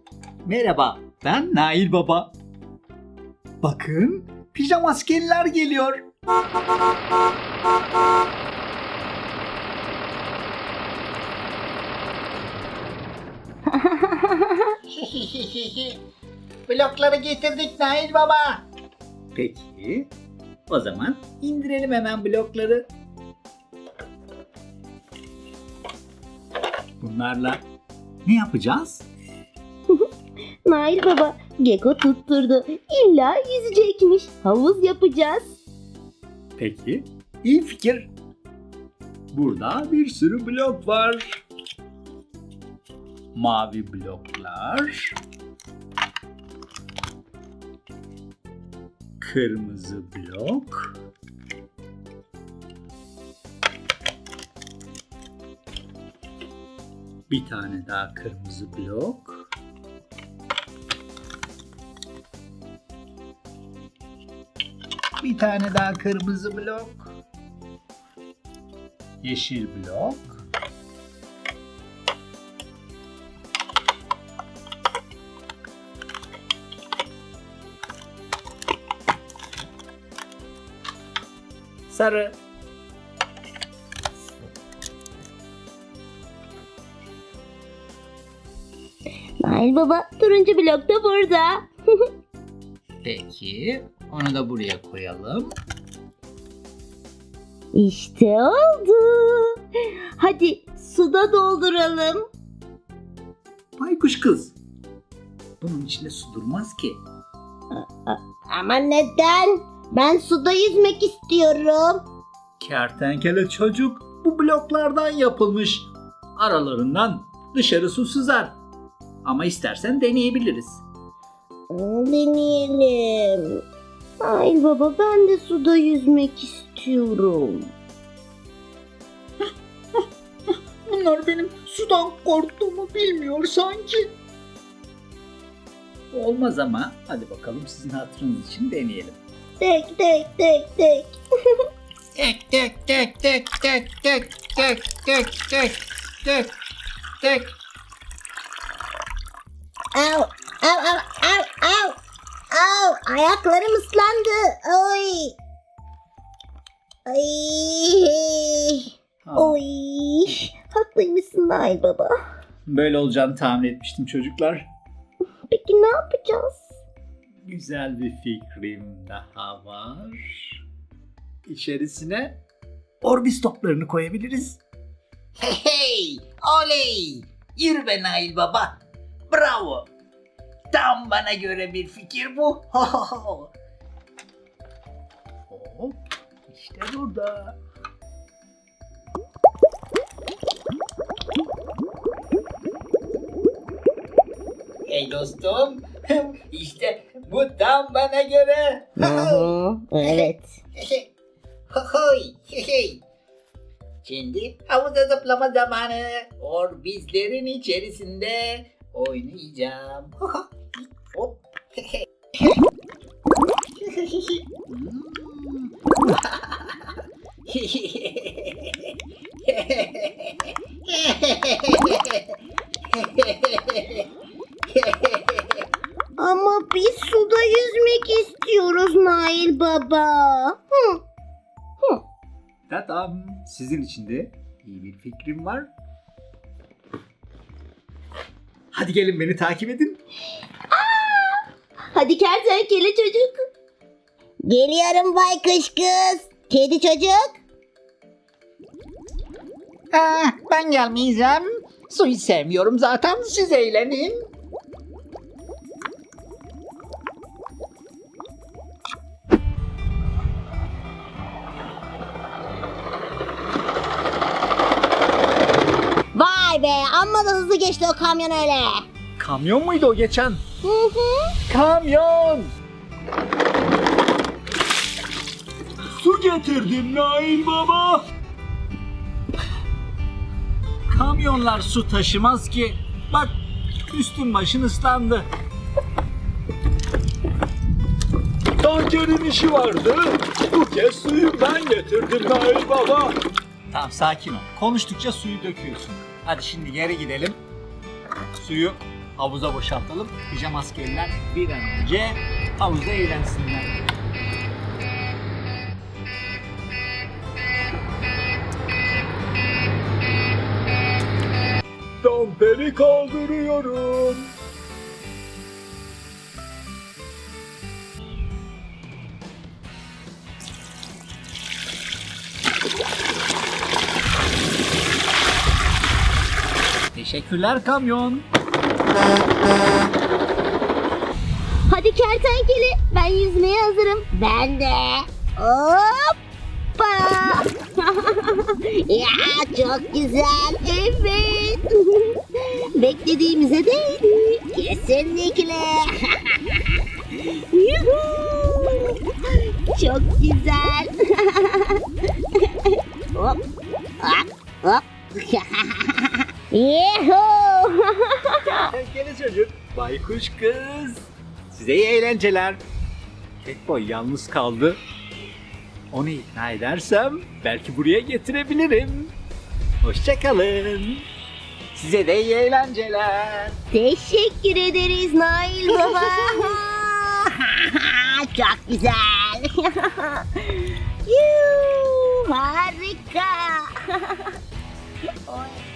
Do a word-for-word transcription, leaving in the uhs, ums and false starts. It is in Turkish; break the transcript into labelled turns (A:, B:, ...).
A: Merhaba, ben Nail Baba. Bakın, pijama askeriler geliyor.
B: Blokları getirdik Nail Baba.
A: Peki, o zaman indirelim hemen blokları. Bunlarla ne yapacağız?
C: Nail Baba, Geko tutturdu. İlla yüzecekmiş. Havuz yapacağız.
A: Peki, iyi fikir. Burada bir sürü blok var. Mavi bloklar. Kırmızı blok. Bir tane daha kırmızı blok. Bir tane daha kırmızı blok. Yeşil blok. Sarı.
C: Nail Baba, turuncu blok da burada.
A: Peki, onu da buraya koyalım.
C: İşte oldu. Hadi suda dolduralım.
A: Baykuş kız. Bunun içinde su durmaz ki.
C: Ama neden? Ben suda yüzmek istiyorum.
A: Kertenkele çocuk bu bloklardan yapılmış. Aralarından dışarı su sızar. Ama istersen deneyebiliriz.
C: Deneyelim. Nail Baba, ben de suda yüzmek istiyorum.
A: Bunlar benim sudan korktuğumu bilmiyor sanki. Olmaz ama hadi bakalım sizin hatırınız için deneyelim.
C: Tek tek tek tek.
B: Tek tek tek tek tek tek tek tek tek tek tek.
C: Au, au, au, au, au. Au, ayaklarım ıslandı. Oy. Ay.
A: Ha,
C: Oy. Haklıymışsın Nail Baba.
A: böyle olacağını tahmin etmiştim çocuklar.
C: Peki ne yapacağız?
A: Güzel bir fikrim daha var. İçerisine Orbis toplarını koyabiliriz.
B: Hey hey, oley. Yürü be Nail Baba. Bravo. Tam bana göre bir fikir bu.
A: Hop, işte burada.
B: Hey dostum. İşte bu tam bana göre.
C: Evet.
B: Hohoy, hey. Şimdi havuza zıplama zamanı. Orbizlerin içerisinde oynayacağım. Hop.
C: Ama biz suda yüzmek istiyoruz Nail Baba. Hı.
A: Tadam, sizin için de iyi bir fikrim var. Hadi gelin beni takip edin.
C: Hadi kertenkele çocuk. Geliyorum baykuş kız. Kedi çocuk.
B: Ah, ben gelmeyeceğim. Suyu sevmiyorum zaten. Siz eğlenin.
C: Vay be, amma da hızlı geçti o kamyon öyle.
A: Kamyon muydu o geçen?
C: Hı hı.
A: Kamyon! Su getirdim Nail Baba. Kamyonlar su taşımaz ki. Bak üstün başın ıslandı. Tankerin işi vardı. Bu kez suyu ben getirdim Nail Baba. Tamam sakin ol. Konuştukça suyu döküyorsun. Hadi şimdi geri gidelim. Suyu
D: havuza boşaltalım. Pijama askeriler bir an önce havuzda eğlensinler.
A: Damperi kaldırıyorum.
D: Teşekkürler kamyon.
C: Hadi kertenkele, ben yüzmeye hazırım. Ben de. Hoppa. Ya çok güzel. Evet. Beklediğimize değdi. Kesinlikle. Yuhu. Çok güzel. Hop. Hop. Hop. Yuhu.
D: Kertenkele çocuk, baykuş kız. Size iyi eğlenceler. Catboy yalnız kaldı. Onu ikna edersem belki buraya getirebilirim. Hoşçakalın. Size de iyi eğlenceler.
C: Teşekkür ederiz Nail Baba. Çok güzel. Yuh, harika. Oy.